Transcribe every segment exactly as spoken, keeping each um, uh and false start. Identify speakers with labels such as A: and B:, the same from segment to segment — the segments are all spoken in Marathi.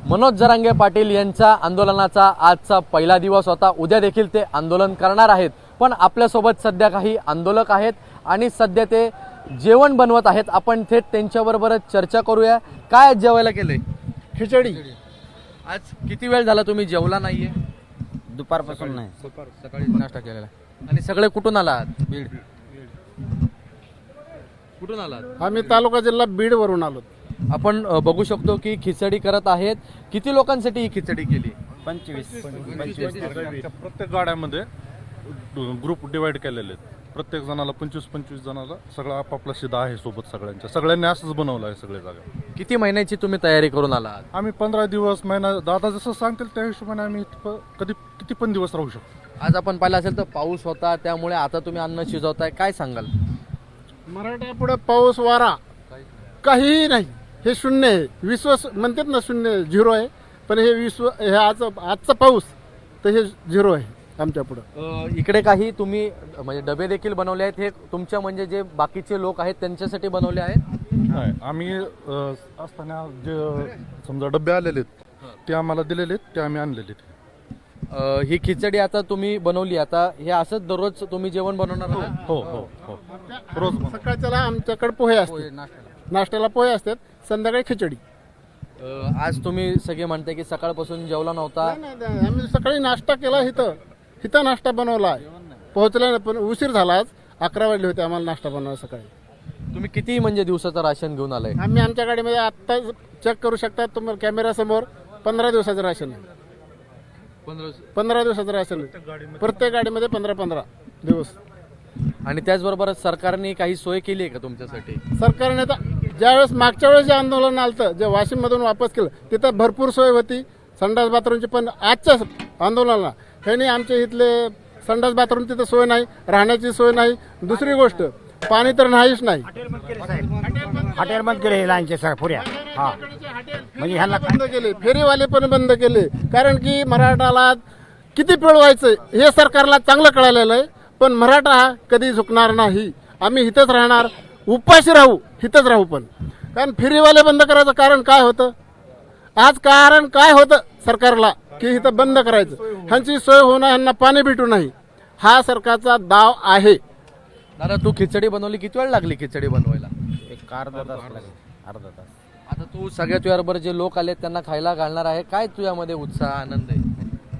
A: मनोज जरांगे पाटील यांच्या आंदोलनाचा आजचा पहिला दिवस होता। उद्या देखील ते आंदोलन करणार आहेत। पण आपल्यासोबत सध्या काही आंदोलक आहेत आणि सध्या ते जेवण बनवत आहेत। आपण थेट त्यांच्याबरोबरच चर्चा करूया। काय जेवायला केलंय?
B: खिचडी।
A: आज किती वेळ झाला तुम्ही जेवला नाहीये?
B: दुपारपासून नाही,
A: दुपार सकाळी नाश्ता केलेला। आणि सगळे कुठून आलात? बीड। कुठून आलात?
B: आम्ही तालुका जिल्हा बीड वरून आलो।
A: आपण अ, बघू शकतो की खिचडी करत आहेत। किती लोकांसाठी ही खिचडी केली?
B: पंचवीस
C: प्रत्येक गाड्यामध्ये ग्रुप डिवाइड केलेले आहेत। प्रत्येक जणाला पंचवीस पंचवीस जणाला सगळं आपापला शिदा आहे सोबत सगळ्यांच्या। सगळ्यांनी असंच बनवलं आहे सगळे जागा।
A: किती महिन्याची तुम्ही तयारी करून आलात?
C: आम्ही पंधरा दिवस महिना दादा जसं सांगतील त्या हिशोबाने आम्ही इथं कधी किती पण दिवस राहू शकतो।
A: आज आपण पाहिलं असेल तर पाऊस होता, त्यामुळे आता तुम्ही अन्न शिजवताय। काय सांगाल?
B: मराठा पुढे पाऊस वारा काहीही नाही, हे शून्य आहे। विश्व म्हणतात ना शून्य, झिरो आहे। पण हे विश्व हे आज आजचा पाऊस तर हे झिरो आहे आमच्या पुढं।
A: अ, इकडे काही तुम्ही म्हणजे डबे देखील बनवले आहेत। हे तुमच्या म्हणजे जे बाकीचे लोक आहेत त्यांच्यासाठी बनवले आहेत?
C: नाही, आम्ही अ, असताना जे समजा डबे आलेले आहेत ते आम्हाला दिलेले आहेत, ते आम्ही आणलेले आहेत।
A: अ, ही खिचडी आता तुम्ही बनवली, आता हे असंच दररोज तुम्ही जेवण बनवणार आहात?
C: हो हो हो रोज
B: सकाळच्याला आमच्याकडे पोहे असतात, नाश्त्याला पोहे असतात, संध्याकाळी खिचडी।
A: अ, आज तुम्ही सगळे म्हणते की सकाळपासून जेवला नव्हता।
B: नाही, नाही, नाही, आम्ही सकाळी नाश्ता केला, इथं इथं नाश्ता बनवला, पोहोचला नाही, पण उशीर झाला। आज अकरा वाजले होते आम्हाला नाश्ता बनवायला सकाळी।
A: तुम्ही किती म्हणजे दिवसाचं राशन घेऊन आलाय?
B: आम्ही आमच्या गाडीमध्ये आत्ता चेक करू शकता तुम्हाला कॅमेरा समोर, पंधरा दिवसाचं राशन आहे। पंधरा दिवसाचं राशन आहे प्रत्येक गाडीमध्ये, पंधरा पंधरा दिवस।
A: आणि त्याचबरोबर सरकारने काही सोय केली आहे का तुमच्यासाठी?
B: सरकारने तर ज्यावेळेस मागच्या वेळेस जे आंदोलन आलं, जे वाशिम मधून वापस केलं, तिथं भरपूर सोय होती संडास बाथरूमची। पण आजच्या आंदोलनाला ह्यांनी आमच्या इथले संडास बाथरूम तिथं सोय नाही, राहण्याची सोय नाही। दुसरी गोष्ट, पाणी तर नाहीच नाही।
D: हॉटेल बंद केले लाईनचे पुऱ्या, हा म्हणजे ह्यांना
B: बंद केले, फेरीवाले पण बंद केले। कारण की मराठाला किती पिळवायचं हे सरकारला चांगलं कळालेलं आहे। पण मराठा हा कधी झुकणार नाही। आम्ही इथंच राहणार, उपाशी राहू, इथंच राहू। पण कारण फेरीवाले बंद करायचं कारण काय होतं? आज कारण काय होतं सरकारला की इथं बंद करायचं? ह्यांची सोय होणं, ह्यांना पाणी भेटू नाही, हा सरकारचा दाव आहे।
A: दादा, तू खिचडी बनवली, किती वेळ लागली खिचडी बनवायला?
D: एक अर्धा तास लागेल, अर्धा तास।
A: आता तू सगळ्या तुझ्याबरोबर जे लोक आले त्यांना खायला घालणार आहे, काय तुझ्यामध्ये उत्साह आनंद आहे?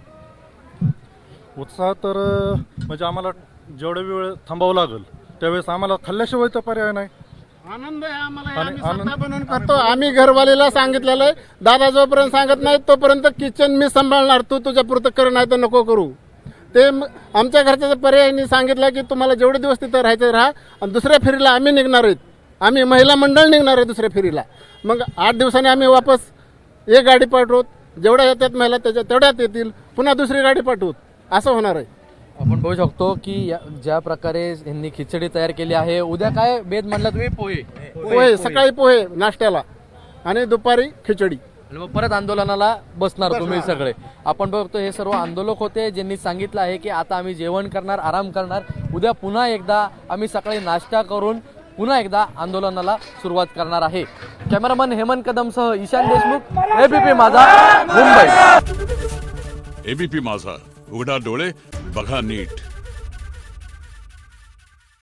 C: उत्साह तर म्हणजे आम्हाला जेवढा वेळ थांबावं लागेल त्यावेळेस आम्हाला खाल्ल्याशिवाय तर पर्याय नाही।
B: आनंद आहे आम्हाला,
C: आणि
B: आम्ही
C: आनंद-
B: स्वतः बनवून खातो। आम्ही घरवालीला सांगितलेलं आहे, दादा जोपर्यंत सांगत नाही तोपर्यंत किचन मी सांभाळणार, तू तुझ्या पुरतं कर, नाही तर नको करू। ते म- आमच्या घरच्या पर्यायाने सांगितलं की तुम्हाला जेवढे दिवस तिथं राहायचं राहा, आणि दुसऱ्या फेरीला आम्ही निघणार आहेत। आम्ही महिला मंडळ निघणार आहे दुसऱ्या फेरीला। मग आठ दिवसांनी आम्ही वापस एक गाडी पाठवू, जेवढ्या येतात महिला त्याच्या तेवढ्यात येतील, पुन्हा दुसरी गाडी पाठवू, असं होणार आहे।
A: आपण बघू शकतो की या- ज्या प्रकारे यांनी खिचडी तयार केली आहे। उद्या काय बेद म्हणला तुम्ही? पोहे
B: पोहे, सकाळी पोहे नाश्त्याला आणि दुपारी खिचडी।
A: आणि मग परत आंदोलनाला बसणार तुम्ही सगळे। आपण बघतो हे सर्व आंदोलक होते ज्यांनी सांगितलं आहे की आता आम्ही जेवण करणार, आराम करणार, उद्या पुन्हा एकदा आम्ही सकाळी नाश्ता करून पुन्हा एकदा आंदोलनाला सुरुवात करणार आहे। कॅमेरामन हेमंत कदमसह ईशान देशमुख, एबीपी माझा, मुंबई।
E: एबीपी माझा, उघडा डोळे बघा नीट।